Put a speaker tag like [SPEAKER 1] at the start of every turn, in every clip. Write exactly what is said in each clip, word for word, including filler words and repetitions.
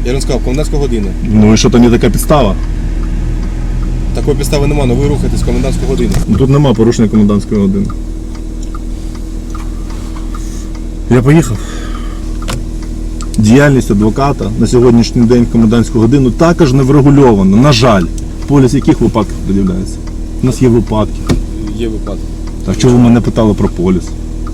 [SPEAKER 1] Я вам сказав, комендантська година.
[SPEAKER 2] Ну і що, там є така підстава?
[SPEAKER 1] Такої підстави нема, але ви рухаєтесь в комендантську годину.
[SPEAKER 2] Тут нема порушення комендантської години. Я поїхав. Діяльність адвоката на сьогоднішній день в комендантську годину також не врегульована, на жаль. Поліс яких випадків пред'являється? У нас є випадки.
[SPEAKER 1] Є випадки.
[SPEAKER 2] Так чого ви мене питали про поліс?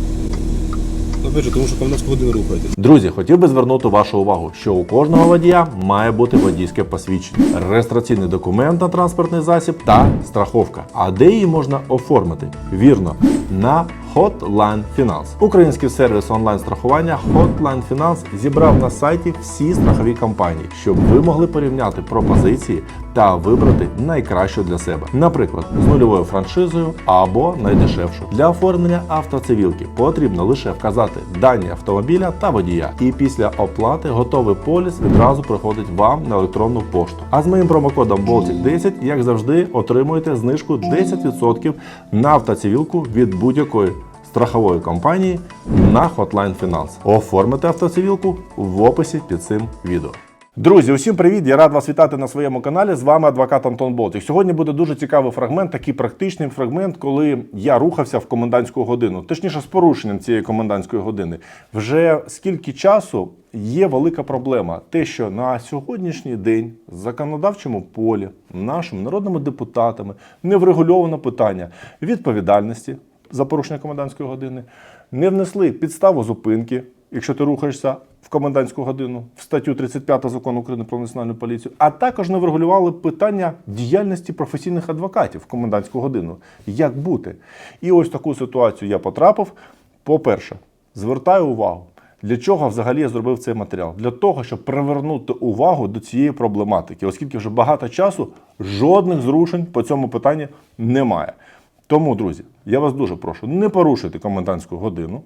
[SPEAKER 1] Опять же, тому що в комендантську годину рухаєтесь.
[SPEAKER 3] Друзі, хотів би звернути вашу увагу, що у кожного водія має бути водійське посвідчення, реєстраційний документ на транспортний засіб та страховка. А де її можна оформити? Вірно, на Hotline Finance. Український сервіс онлайн-страхування Hotline Finance зібрав на сайті всі страхові компанії, щоб ви могли порівняти пропозиції та вибрати найкращу для себе. Наприклад, з нульовою франшизою або найдешевшу. Для оформлення автоцивілки потрібно лише вказати дані автомобіля та водія. І після оплати готовий поліс відразу приходить вам на електронну пошту. А з моїм промокодом Болтик десять, як завжди, отримуєте знижку десять відсотків на автоцивілку від будь-якої страхової компанії на Hotline Finance. Оформити автоцивілку в описі під цим відео. Друзі, усім привіт! Я рад вас вітати на своєму каналі. З вами адвокат Антон Болтик. Сьогодні буде дуже цікавий фрагмент, такий практичний фрагмент, коли я рухався в комендантську годину. Точніше, з порушенням цієї комендантської години. Вже скільки часу є велика проблема. Те, що на сьогоднішній день в законодавчому полі нашими народними депутатами не врегульовано питання відповідальності за порушення комендантської години, не внесли підставу зупинки, якщо ти рухаєшся в комендантську годину, в статтю тридцять п'ять Закону України про національну поліцію, а також не врегулювали питання діяльності професійних адвокатів в комендантську годину. Як бути? І ось в таку ситуацію я потрапив. По-перше, звертаю увагу, для чого взагалі я зробив цей матеріал? Для того, щоб привернути увагу до цієї проблематики, оскільки вже багато часу жодних зрушень по цьому питанні немає. Тому, друзі, я вас дуже прошу, не порушуйте комендантську годину,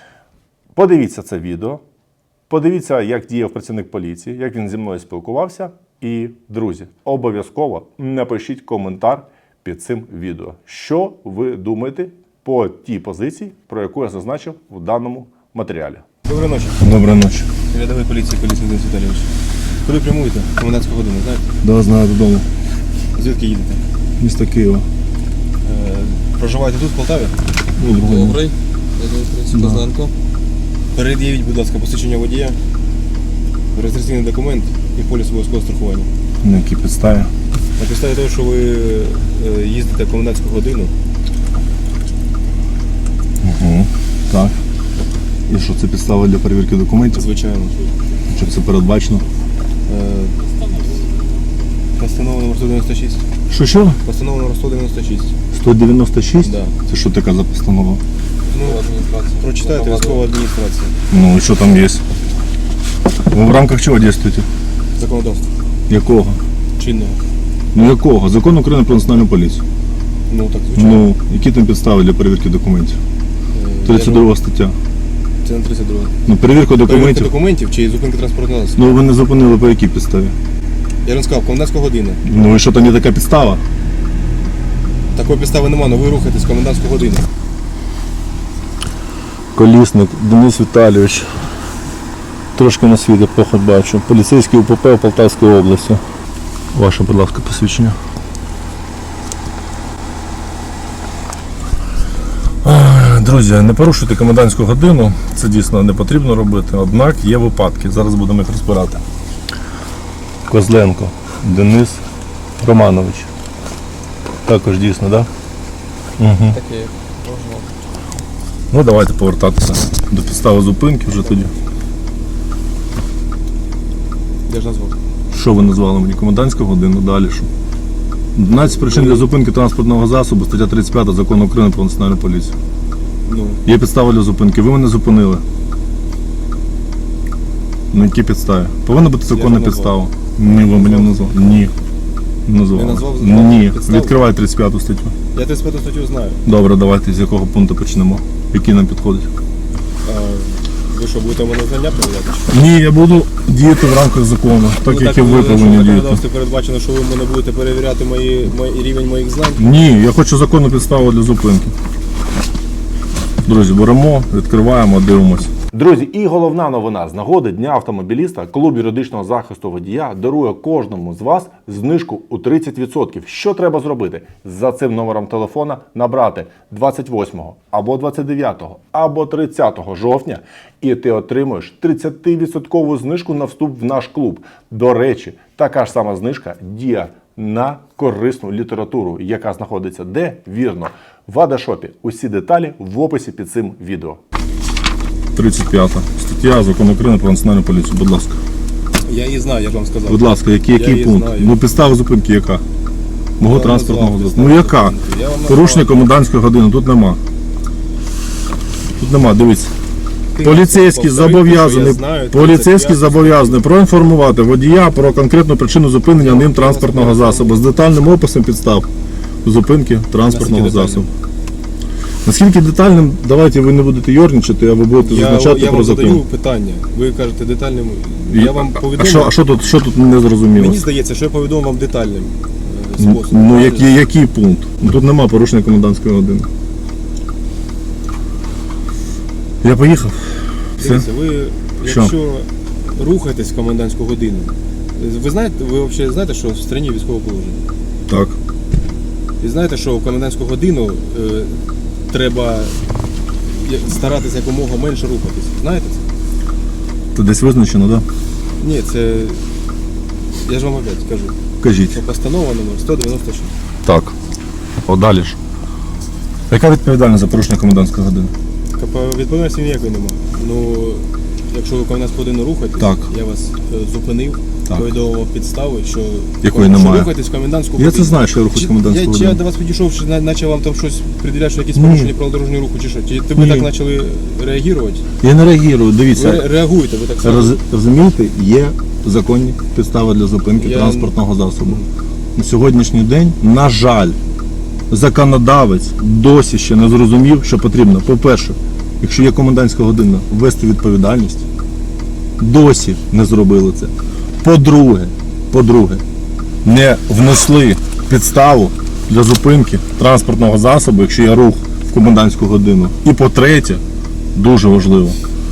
[SPEAKER 3] подивіться це відео, подивіться, як діяв працівник поліції, як він зі мною спілкувався. І, друзі, обов'язково напишіть коментар під цим відео. Що ви думаєте по тій позиції, про яку я зазначив в даному матеріалі.
[SPEAKER 1] Доброї ночі.
[SPEAKER 2] Доброї ночі.
[SPEAKER 1] Рядовий поліції, поліції Денис Віталійович. Куди прямуєте? Комендантську годину, знаєте?
[SPEAKER 2] Да, знаю, додому.
[SPEAKER 1] Звідки їдете?
[SPEAKER 2] Місто Києва.
[SPEAKER 1] Е, проживаєте тут, в Полтаві?
[SPEAKER 2] Добрий.
[SPEAKER 1] Я Козленко. Перед'явіть, будь ласка, посвідчення водія, реєстраційний документ і поліс обов'язкового страхування.
[SPEAKER 2] На якій підставі?
[SPEAKER 1] На підставі того, що ви е, їздите в комендантську годину.
[SPEAKER 2] Угу. Так. І що, це підстава для перевірки документів?
[SPEAKER 1] Звичайно.
[SPEAKER 2] Щоб це передбачено?
[SPEAKER 1] Е, Постанова номер сто дев'яносто шість.
[SPEAKER 2] Що, що?
[SPEAKER 1] Постанова номер сто дев'яносто шість.
[SPEAKER 2] сто дев'яносто шість?
[SPEAKER 1] Да.
[SPEAKER 2] Це що така за постанова?
[SPEAKER 1] Ну, прочитайте, військова адміністрація.
[SPEAKER 2] Ну, і що там є? Ви в рамках чого дійствуєте?
[SPEAKER 1] Законодавство.
[SPEAKER 2] Якого?
[SPEAKER 1] Чинного.
[SPEAKER 2] Ну якого? Закон України про національну поліцію.
[SPEAKER 1] Ну, так, звичайно.
[SPEAKER 2] Ну, які там підстави для перевірки документів?
[SPEAKER 1] Е,
[SPEAKER 2] тридцять друга стаття.
[SPEAKER 1] Це не тридцять друга.
[SPEAKER 2] Ну, перевірка
[SPEAKER 1] Перевірка
[SPEAKER 2] документів.
[SPEAKER 1] документів чи зупинка транспортного засобу?
[SPEAKER 2] Ну, ви не зупинили по якій підставі?
[SPEAKER 1] Я вам сказав, комендантська година.
[SPEAKER 2] Ну, і що там є така підстава?
[SPEAKER 1] Такої підстави нема, але ви рухаєтесь в комендантську годину.
[SPEAKER 2] Колісник Денис Віталійович. Трошки на світ поход бачу. Поліцейський УПП в Полтавській області. Ваше, будь ласка, посвідчення. Друзі, не порушуйте комендантську годину. Це дійсно не потрібно робити. Однак є випадки. Зараз будемо їх розбирати. Козленко Денис Романович. Також дійсно, так? Да? Угу.
[SPEAKER 1] Таке, можна.
[SPEAKER 2] Ну, давайте повертатися до підстави зупинки вже тоді.
[SPEAKER 1] Я ж назвав.
[SPEAKER 2] Що ви назвали мені? Комендантська година, далі що? одинадцять причин для зупинки транспортного засобу, стаття тридцять п'ять Закону України про національну поліцію.
[SPEAKER 1] Ну.
[SPEAKER 2] Є підстава для зупинки, ви мене зупинили. На якій підставі? Повинна бути законна підстава. Ні, ви мені назвали. Ні. Назвали.
[SPEAKER 1] Я назвав
[SPEAKER 2] Ні.
[SPEAKER 1] підставу?
[SPEAKER 2] Відкривай тридцять п'яту статтю.
[SPEAKER 1] Я тридцять п'яту статтю знаю.
[SPEAKER 2] Добре, давайте з якого пункту почнемо. Який нам підходить?
[SPEAKER 1] А, ви що, будете мене знання перевіряти?
[SPEAKER 2] Ні, я буду діяти в рамках закону, так
[SPEAKER 1] Ну,
[SPEAKER 2] як і
[SPEAKER 1] так,
[SPEAKER 2] ви
[SPEAKER 1] що
[SPEAKER 2] повинні
[SPEAKER 1] в
[SPEAKER 2] діяти.
[SPEAKER 1] законодавстві передбачено, що ви мене будете перевіряти мої, мої, рівень моїх знань.
[SPEAKER 2] Ні, я хочу законну підставу для зупинки. Друзі, беремо, відкриваємо, дивимося.
[SPEAKER 3] Друзі, і головна новина з нагоди Дня автомобіліста клуб юридичного захисту водія дарує кожному з вас знижку у тридцять відсотків. Що треба зробити? За цим номером телефона набрати двадцять восьмого або двадцять дев'ятого або тридцятого жовтня, і ти отримуєш тридцятивідсоткову знижку на вступ в наш клуб. До речі, така ж сама знижка діє на корисну літературу, яка знаходиться де? Вірно, в Адашопі. Усі деталі в описі під цим відео.
[SPEAKER 2] тридцять п'ята стаття Закону України про національну поліцію. Будь ласка.
[SPEAKER 1] Я її знаю, я ж вам сказав.
[SPEAKER 2] Будь ласка, який,
[SPEAKER 1] Я
[SPEAKER 2] який
[SPEAKER 1] її
[SPEAKER 2] пункт?
[SPEAKER 1] знаю.
[SPEAKER 2] Ну, підстава зупинки яка? Мого
[SPEAKER 1] Я
[SPEAKER 2] транспортного
[SPEAKER 1] назвав
[SPEAKER 2] засобу. Ну
[SPEAKER 1] підставу
[SPEAKER 2] яка?
[SPEAKER 1] зупинки. Я вам назвав.
[SPEAKER 2] Порушення комендантської години. Тут нема. Тут нема, дивіться.
[SPEAKER 1] Ти
[SPEAKER 2] Поліцейський
[SPEAKER 1] повтори, що я
[SPEAKER 2] зобов'язаний,
[SPEAKER 1] знаю,
[SPEAKER 2] поліцейський
[SPEAKER 1] тридцять п'ята
[SPEAKER 2] зобов'язаний проінформувати водія про конкретну причину зупинення ним транспортного засобу з детальним описом підстав зупинки транспортного
[SPEAKER 1] Наскільки
[SPEAKER 2] засобу. Наскільки детальним, давайте ви не будете йорничати, а ви будете
[SPEAKER 1] Я,
[SPEAKER 2] зазначати
[SPEAKER 1] я
[SPEAKER 2] про
[SPEAKER 1] вам
[SPEAKER 2] закон.
[SPEAKER 1] задаю питання. Ви кажете детальним. Я вам
[SPEAKER 2] а,
[SPEAKER 1] повідомив.
[SPEAKER 2] що, а що тут, що тут не зрозуміло?
[SPEAKER 1] Мені здається, що я повідомив вам детальним е,
[SPEAKER 2] Ну,
[SPEAKER 1] способом.
[SPEAKER 2] ну який, який пункт? Ну, тут нема порушення комендантської години. Я поїхав. Все?
[SPEAKER 1] Дивіться, ви,
[SPEAKER 2] Що?
[SPEAKER 1] якщо рухаєтесь в комендантську годину, ви знаєте, ви взагалі знаєте, що в країні військове положення?
[SPEAKER 2] Так.
[SPEAKER 1] І знаєте, що в комендантську годину е, треба я- старатися якомога менше рухатись. Знаєте це?
[SPEAKER 2] Це десь визначено, так? Да?
[SPEAKER 1] Ні, це. Я ж вам опять кажу.
[SPEAKER 2] Кажіть.
[SPEAKER 1] Це постанова номер сто дев'яносто шість.
[SPEAKER 2] Так. О, далі ж. Яка відповідальність за порушення комендантської години?
[SPEAKER 1] КП відповідальності ніякої немає. Ну, якщо ви в комендантську годину рухаєтесь,
[SPEAKER 2] Так.
[SPEAKER 1] я вас е, зупинив,
[SPEAKER 2] Так.
[SPEAKER 1] повідомив підстави, що,
[SPEAKER 2] Якої
[SPEAKER 1] що
[SPEAKER 2] немає.
[SPEAKER 1] рухаєтесь в комендантську
[SPEAKER 2] Я
[SPEAKER 1] годину.
[SPEAKER 2] це знаю, що я рухаюсь в
[SPEAKER 1] Чи-
[SPEAKER 2] комендантську
[SPEAKER 1] я, Чи
[SPEAKER 2] годину.
[SPEAKER 1] я до вас підійшов, чи на- наче вам там щось приділяти, що якісь
[SPEAKER 2] Ні.
[SPEAKER 1] порушення правил дорожнього руху, чи що? Чи ви
[SPEAKER 2] Ні.
[SPEAKER 1] так почали реагувати?
[SPEAKER 2] Я не реагую, дивіться.
[SPEAKER 1] Ви ре- реагуєте, ви так само.
[SPEAKER 2] Роз, розумієте, є законні підстави для зупинки
[SPEAKER 1] Я-
[SPEAKER 2] транспортного засобу. На сьогоднішній день, на жаль, законодавець досі ще не зрозумів, що потрібно. По-перше, якщо є комендантська година, ввести відповідальність. Досі не зробили це. По-друге, по-друге, не внесли підставу для зупинки транспортного засобу, якщо є рух в комендантську годину. І по-третє, дуже важливо,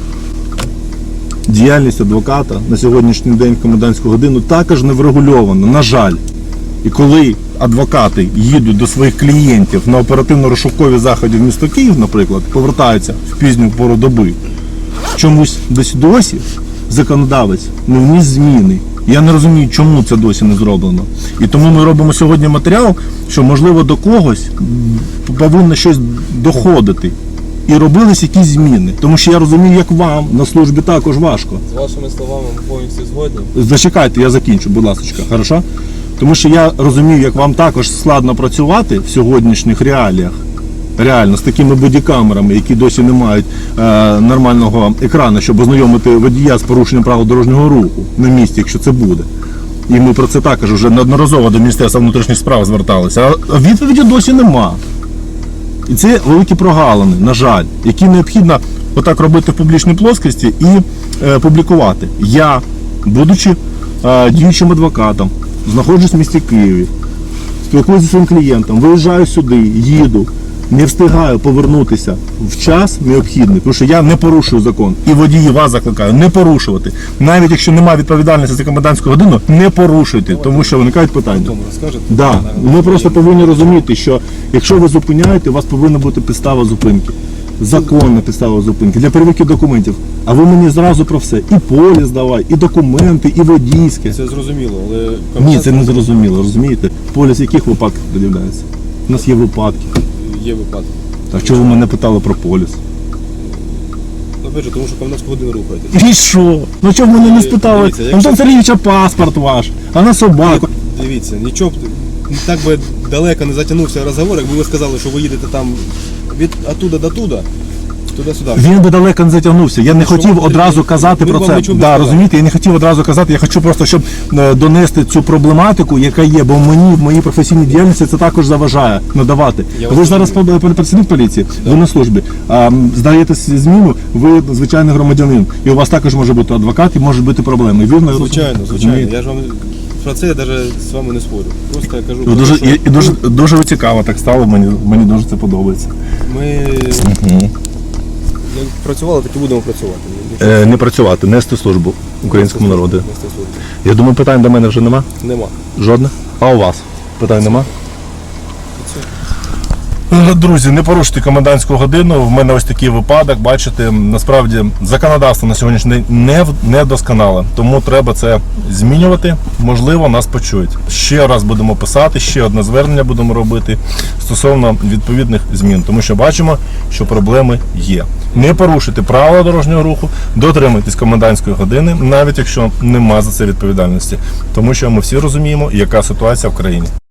[SPEAKER 2] діяльність адвоката на сьогоднішній день в комендантську годину також не врегульована, на жаль. І коли адвокати їдуть до своїх клієнтів на оперативно-розшукові заходи в місто Київ, наприклад, повертаються в пізню пору доби, чомусь десь досі законодавець не вніс зміни. Я не розумію, чому це досі не зроблено. І тому ми робимо сьогодні матеріал, що, можливо, до когось м, повинно щось доходити. І робились якісь зміни. Тому що я розумію, як вам на службі також важко.
[SPEAKER 1] З вашими словами ми повністю згодні.
[SPEAKER 2] Зачекайте, я закінчу, будь ласка, хорошо? Тому що я розумію, як вам також складно працювати в сьогоднішніх реаліях. Реально, з такими бодікамерами, які досі не мають е, нормального екрану, щоб ознайомити водія з порушенням правил дорожнього руху на місці, якщо це буде. І ми про це також вже неодноразово до Міністерства внутрішніх справ зверталися. А відповіді досі нема. І це великі прогалини, на жаль, які необхідно отак робити в публічній плоскості і е, публікувати. Я, будучи е, діючим адвокатом, знаходжусь в місті Києві, спілкуюся зі своїм клієнтом, виїжджаю сюди, їду, не встигаю повернутися в час необхідний, тому що я не порушую закон. І водії вас закликаю не порушувати. Навіть якщо немає відповідальності за комендантську годину, не порушуйте, тому що виникають питання.
[SPEAKER 1] Тому розкажете.
[SPEAKER 2] Да.
[SPEAKER 1] На-
[SPEAKER 2] Ми просто повинні розуміти, що якщо ви зупиняєте, у вас повинна бути підстава зупинки. Законна підстава зупинки для перевірки документів. А ви мені зразу про все. І поліс давай, і документи, і водійське.
[SPEAKER 1] Це зрозуміло, але
[SPEAKER 2] Ні, це не зрозуміло, розумієте? Поліс яких випадків пред'являється? У нас є випадки.
[SPEAKER 1] є випадки.
[SPEAKER 2] Так чого ви мене питали про поліс?
[SPEAKER 1] Опять же, тому що комендантську годину рухаєтесь.
[SPEAKER 2] І що? Ну чого ви мене не спитали?
[SPEAKER 1] Дивіться, якщо-
[SPEAKER 2] Антон Сергійович, а паспорт ваш, а на собаку.
[SPEAKER 1] Дивіться, нічого б так би далеко не затягнувся розговор, якби ви сказали, що ви їдете там від оттуда до туди, туди-сюди.
[SPEAKER 2] Він би далеко не затягнувся. Я не
[SPEAKER 1] Що
[SPEAKER 2] хотів
[SPEAKER 1] ви-
[SPEAKER 2] одразу казати
[SPEAKER 1] ми
[SPEAKER 2] про
[SPEAKER 1] вам
[SPEAKER 2] це.
[SPEAKER 1] нічого не
[SPEAKER 2] Да,
[SPEAKER 1] сказали.
[SPEAKER 2] розумієте, я не хотів одразу казати, я хочу просто, щоб е, донести цю проблематику, яка є, бо мені в моїй професійній діяльності це також заважає надавати.
[SPEAKER 1] Я
[SPEAKER 2] Ви
[SPEAKER 1] вас
[SPEAKER 2] ж зараз
[SPEAKER 1] розумію.
[SPEAKER 2] пр- працівник поліції, ви на службі. А, м, здаєте зміну, ви звичайний громадянин. І у вас також може бути адвокат і можуть бути проблеми. Вірно? я
[SPEAKER 1] Звичайно,
[SPEAKER 2] розумію?
[SPEAKER 1] звичайно.
[SPEAKER 2] Розумієте?
[SPEAKER 1] Я ж вам про це я навіть з вами не спорю. Просто я кажу,
[SPEAKER 2] Ви
[SPEAKER 1] про
[SPEAKER 2] Дуже,
[SPEAKER 1] те,
[SPEAKER 2] і,
[SPEAKER 1] що
[SPEAKER 2] і дуже, дуже цікаво так стало, мені, мені дуже це подобається.
[SPEAKER 1] ми Як працювали, так і будемо працювати.
[SPEAKER 2] Е, не працювати, нести службу українському народу.
[SPEAKER 1] Нести службу.
[SPEAKER 2] Я думаю, питань до мене вже нема?
[SPEAKER 1] Нема.
[SPEAKER 2] Жодних? А у вас? Питань нема? Е, Друзі, не порушуйте комендантську годину. В мене ось такий випадок. Бачите, насправді законодавство на сьогоднішній день не, в- не досконале. Тому треба це змінювати. Можливо, нас почують. Ще раз будемо писати, ще одне звернення будемо робити стосовно відповідних змін. Тому що бачимо, що проблеми є. Не порушуйте правила дорожнього руху, дотримуйтесь комендантської години, навіть якщо нема за це відповідальності. Тому що ми всі розуміємо, яка ситуація в країні.